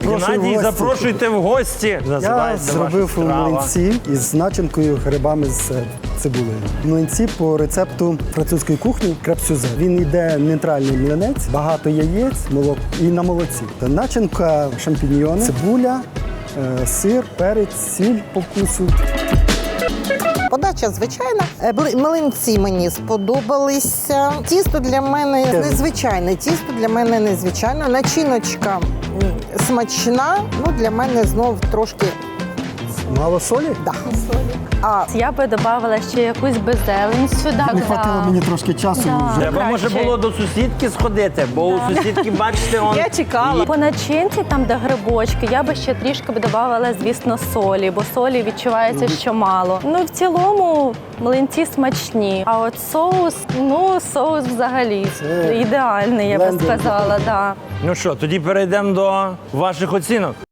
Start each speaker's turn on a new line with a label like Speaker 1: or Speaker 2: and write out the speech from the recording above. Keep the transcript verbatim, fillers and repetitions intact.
Speaker 1: Геннадій, запрошуйте в гості.
Speaker 2: Я
Speaker 1: Називається
Speaker 2: зробив
Speaker 1: ваша страва.
Speaker 2: млинці із начинкою грибами з цибулею. Млинці по рецепту французької кухні креп-сюзе. Він йде нейтральний млинець, багато яєць, молок і на молоці. Начинка шампіньйони, цибуля, е, сир, перець, сіль по вкусу.
Speaker 3: Подача звичайна. Е, бли- Млинці мені сподобалися. Тісто для мене незвичайне. Тісто для мене незвичайне. Начиночка м, смачна. Ну, для мене знов трошки
Speaker 2: Мало солі?
Speaker 3: да. А
Speaker 4: Я би додавала ще якусь би зелень сюди.
Speaker 2: Не
Speaker 4: да.
Speaker 2: хватило мені трошки часу.
Speaker 4: Да.
Speaker 2: Вже.
Speaker 1: Треба, може,
Speaker 4: краще.
Speaker 1: було до сусідки сходити, бо у сусідки, бачите, он...
Speaker 4: Я чекала. По начинці, там, де грибочки, я би ще трішки б додавала, звісно, солі, бо солі відчувається, що мало. Ну, в цілому, млинці смачні. А от соус, ну, соус взагалі
Speaker 2: Це
Speaker 4: ідеальний, я би
Speaker 2: блендер.
Speaker 4: сказала, да.
Speaker 1: Ну що, тоді перейдемо до ваших оцінок.